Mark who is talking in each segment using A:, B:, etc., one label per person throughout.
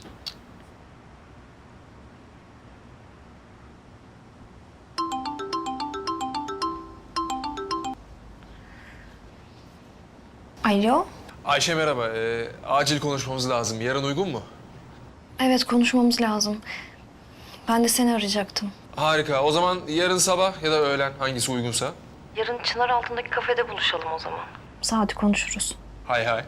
A: Alo.
B: Ayşe merhaba. Acil konuşmamız lazım. Yarın uygun mu?
A: Evet, konuşmamız lazım. Ben de seni arayacaktım.
B: Harika. O zaman yarın sabah ya da öğlen hangisi uygunsa.
A: Yarın çınar altındaki kafede buluşalım o zaman. Saati konuşuruz.
B: Hay hay.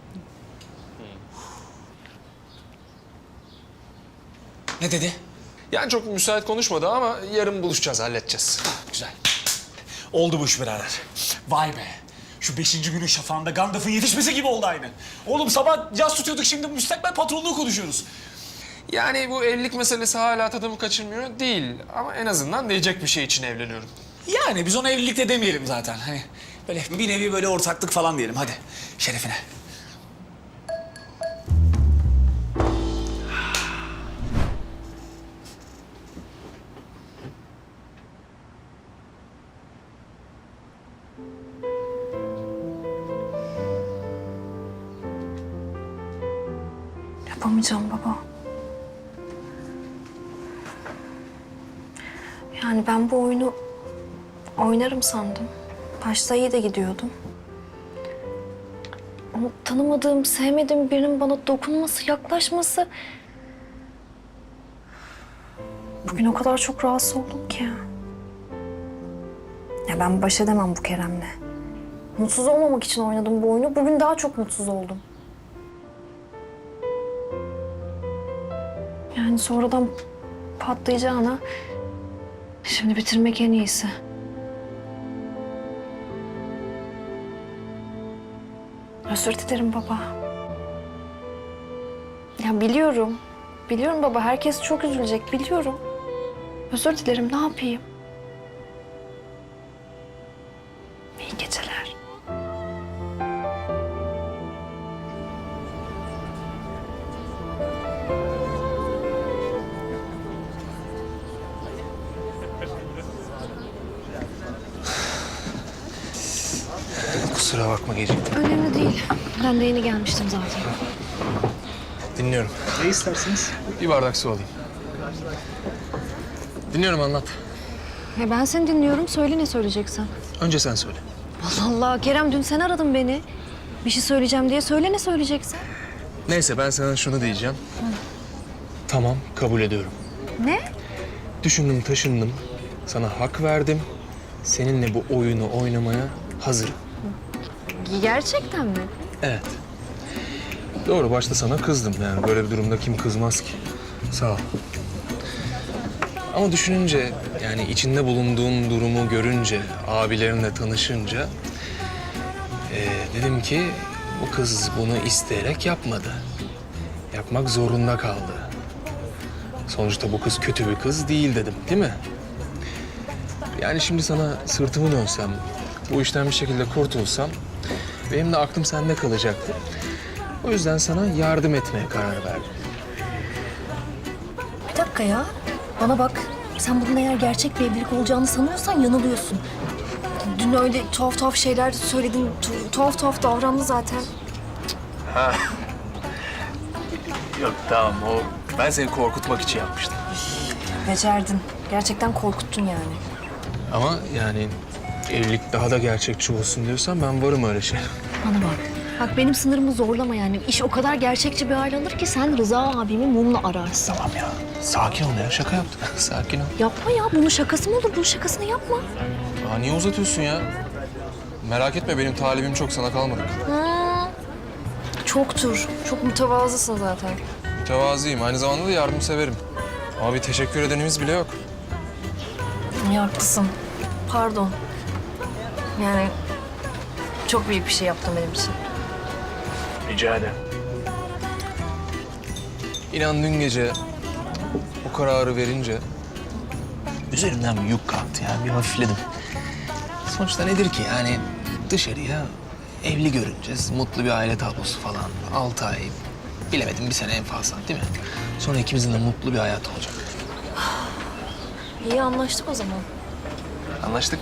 C: Ne dedi?
B: Yani çok müsait konuşmadı ama yarın buluşacağız, halledeceğiz.
C: Güzel. Oldu bu iş birader. Vay be. Şu 5. günün şafağında Gandalf'ın yetişmesi gibi oldu aynı. Oğlum sabah caz tutuyorduk, şimdi müstakbel patronluğu konuşuyoruz.
B: Yani bu evlilik meselesi hala tadımı kaçırmıyor değil. Ama en azından diyecek bir şey için evleniyorum.
C: Yani biz ona evlilik de demeyelim zaten. Hani böyle bir nevi böyle ortaklık falan diyelim. Hadi şerefine.
A: Yapamayacağım baba. Yani ben bu oyunu oynarım sandım. Başta iyi de gidiyordum. Ama tanımadığım, sevmediğim birinin bana dokunması, yaklaşması... Bugün o kadar çok rahatsız oldum ki. Ya ben baş edemem bu Kerem'le. Mutsuz olmamak için oynadım bu oyunu. Bugün daha çok mutsuz oldum. Yani sonradan patlayacağına şimdi bitirmek en iyisi. Özür dilerim baba. Ya biliyorum. Biliyorum baba, herkes çok üzülecek, biliyorum. Özür dilerim, ne yapayım? İyi geceler.
B: Kusura bakma geciktim.
A: Önemli değil. Ben de yeni gelmiştim zaten.
B: Dinliyorum.
D: Ne istersiniz?
B: Bir bardak su alayım. Dinliyorum, anlat.
A: Ya ben seni dinliyorum. Söyle ne söyleyeceksen.
B: Önce sen söyle.
A: Allah Allah. Kerem, dün sen aradın beni. Bir şey söyleyeceğim diye söyle ne söyleyeceksen.
B: Neyse, ben sana şunu diyeceğim. Tamam, kabul ediyorum.
A: Ne?
B: Düşündüm, taşındım. Sana hak verdim. Seninle bu oyunu oynamaya hazırım.
A: Gerçekten mi?
B: Evet. Doğru, başta sana kızdım. Yani böyle bir durumda kim kızmaz ki? Sağ ol. Ama düşününce, yani içinde bulunduğun durumu görünce, abilerinle tanışınca... dedim ki bu kız bunu isteyerek yapmadı. Yapmak zorunda kaldı. Sonuçta bu kız kötü bir kız değil dedim, değil mi? Yani şimdi sana sırtımı dönsem, bu işten bir şekilde kurtulsam... benim de aklım sende kalacaktı. O yüzden sana yardım etmeye karar verdim.
E: Bir dakika ya. Bana bak. Sen bunun eğer gerçek bir evlilik olacağını sanıyorsan yanılıyorsun. Dün öyle tuhaf tuhaf şeyler söyledin. Tuhaf tuhaf davrandı zaten.
B: Yok tamam, o ben seni korkutmak için yapmıştım.
E: Becerdin. Gerçekten korkuttun yani.
B: Ama yani evlilik daha da gerçekçi olsun diyorsan ben varım öyle şey.
E: Bana bak. Bak benim sınırımı zorlama yani. İş o kadar gerçekçi bir hal alır ki sen Rıza abimi mumla ararsın.
B: Tamam ya, sakin ol ya, şaka yaptım. Sakin ol.
E: Yapma ya. Bunun şakası mı olur? Bunun şakasını yapma.
B: Aa, niye uzatıyorsun ya? Merak etme, benim talibim çok, sana kalmadık.
A: Çoktur. Çok mütevazısın zaten.
B: Mütevazıyım, aynı zamanda da yardımseverim. Ama bir teşekkür edenimiz bile yok.
A: İyi, haklısın. Pardon. Yani çok büyük bir şey yaptın benim için.
B: Rica ederim. İnan dün gece o kararı verince üzerimden bir yük kalktı yani, bir hafifledim. Sonuçta nedir ki yani, dışarıya evli görüneceğiz, mutlu bir aile tablosu falan. 6 ay, bilemedim bir sene en fazla, değil mi? Sonra ikimizin de mutlu bir hayat olacak.
A: İyi, anlaştık o zaman.
B: Anlaştık.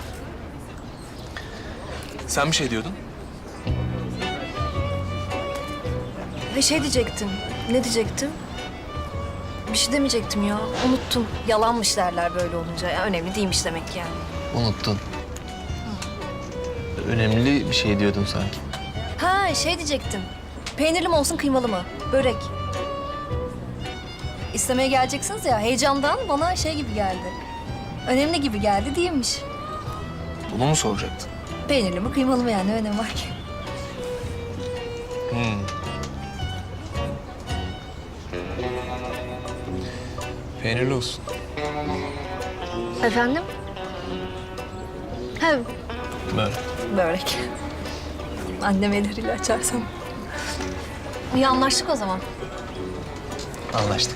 B: Sen bir şey diyordun.
A: Ve şey diyecektim.
E: Ne diyecektim? Bir şey demeyecektim ya. Unuttum. Yalanmış derler böyle olunca. Ya, önemli değilmiş demek ki yani.
B: Unuttun. Önemli bir şey diyordun sanki.
E: Ha şey diyecektim. Peynirli mi olsun kıymalı mı? Börek. İstemeye geleceksiniz ya heyecandan bana şey gibi geldi. Önemli gibi geldi değilmiş.
B: Bunu mu soracaktın?
E: Peynirli mi kıymalı mı yani ne önemi var ki?
B: Peynirli olsun.
E: Efendim? Ha
B: Böyle.
E: börek. Annem elleriyle açarsam. İyi anlaştık o zaman.
B: Anlaştık.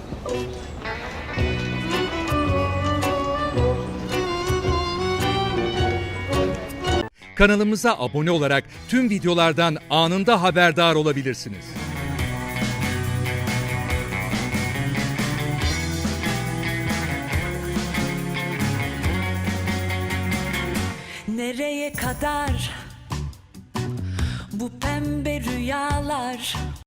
D: Kanalımıza abone olarak tüm videolardan anında haberdar olabilirsiniz.
F: Nereye kadar bu pembe rüyalar?